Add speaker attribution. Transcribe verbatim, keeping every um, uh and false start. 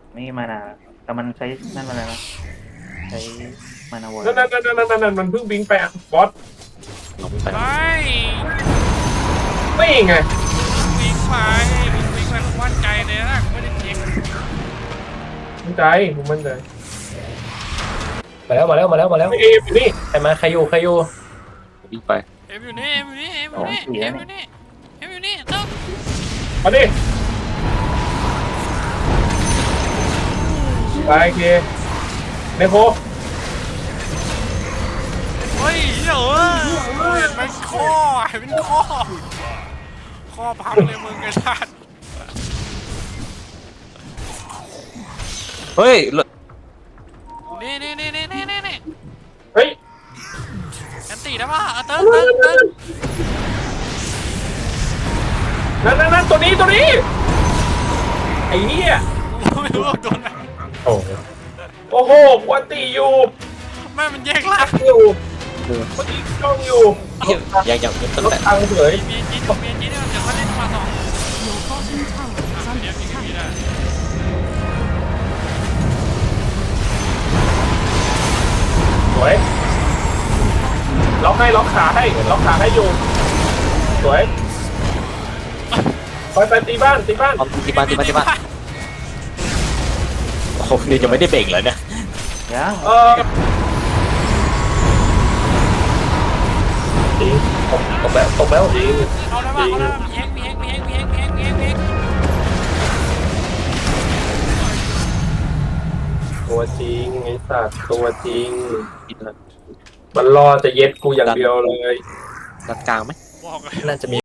Speaker 1: นี่มานาแต่มันใช้นั่นมาแล้วนะใช้มานาเวิร์
Speaker 2: นั่นนั่นนั่นนั่นนั่นมันเพิ่งบิงไปอ่ะบอส
Speaker 3: ลงไป
Speaker 4: ไป
Speaker 2: ไม่ไง
Speaker 4: วิ่งไปวิ่งวิ่งไปทุกวันใจเลยนะไม่ได้เช็ค
Speaker 2: มั่นใจผมมั่นใจ
Speaker 5: มาแล้วมาแล้วมาแล้วมาแล้ว
Speaker 2: เอฟอยู่นี่
Speaker 5: ใครมาใครอยู่ใครอยู่
Speaker 3: วิ่งไป
Speaker 4: เอ็มอยู่นี่เอ็มอยู่นี่เอ็มอยู่นี่เอ็มอยู่นี่เอ็มอยู่นี่เนาะ
Speaker 2: มาดิไปโอเคเนโค
Speaker 4: เฮ้ยเดี๋ยวเห็นมันข้อเห็นเป็นข้อข้อพับเลยมึงไอ้ท่าน
Speaker 3: เฮ้ย
Speaker 4: นี่นี่นี่นี่นี่นี่
Speaker 2: เฮ้ย
Speaker 4: แอนตี้ได้ป่ะเติ้งเติ้งเติ้ง
Speaker 2: นั่นนั่นนั่นตัวนี้ตัวนี้ไอ้เหี้ย
Speaker 4: ไม่รู้ว่าโดนไหน
Speaker 2: โอ้โอ้โหปกติอยู่
Speaker 4: แม่มันแยกล่าง
Speaker 2: อยู่ปกติจ้องอยู่
Speaker 3: ยังยังยังตั้ง
Speaker 2: รถ
Speaker 3: แต่
Speaker 2: ตังเฉย
Speaker 4: เมียจีนเมียจีนเนี่ยเดี๋ยวเขาเล่นมาสอง
Speaker 6: Your bottom tower is
Speaker 4: เดี๋ยว
Speaker 6: under
Speaker 4: พี่ก็มีได้
Speaker 2: สวยล็อกให้ล็อกขาให้ล็อกขาให้อยู่สวยไปไปตีบ้านตีบ้าน
Speaker 3: เอาที่บ้านที่บ้านที่บ้านโอ้โหนี่ยังไม่ได้เบ่งเลยเนี่ย
Speaker 1: ยัง
Speaker 2: เออจริงตกตกแล้วตกแล้วจริง
Speaker 4: เอาได้ป่ะเอาได้ป่ะมีเฮงมีเฮงมีเฮงมีเฮงมีเฮงมีเฮงมีเฮง
Speaker 2: ตัวจริงไอ้สัตว์ตัวจริงมันรอจะเย็ดกูอย่างเดียวเลย
Speaker 3: ด้านกลางไหม
Speaker 4: บอกเลย
Speaker 5: น่าจะมี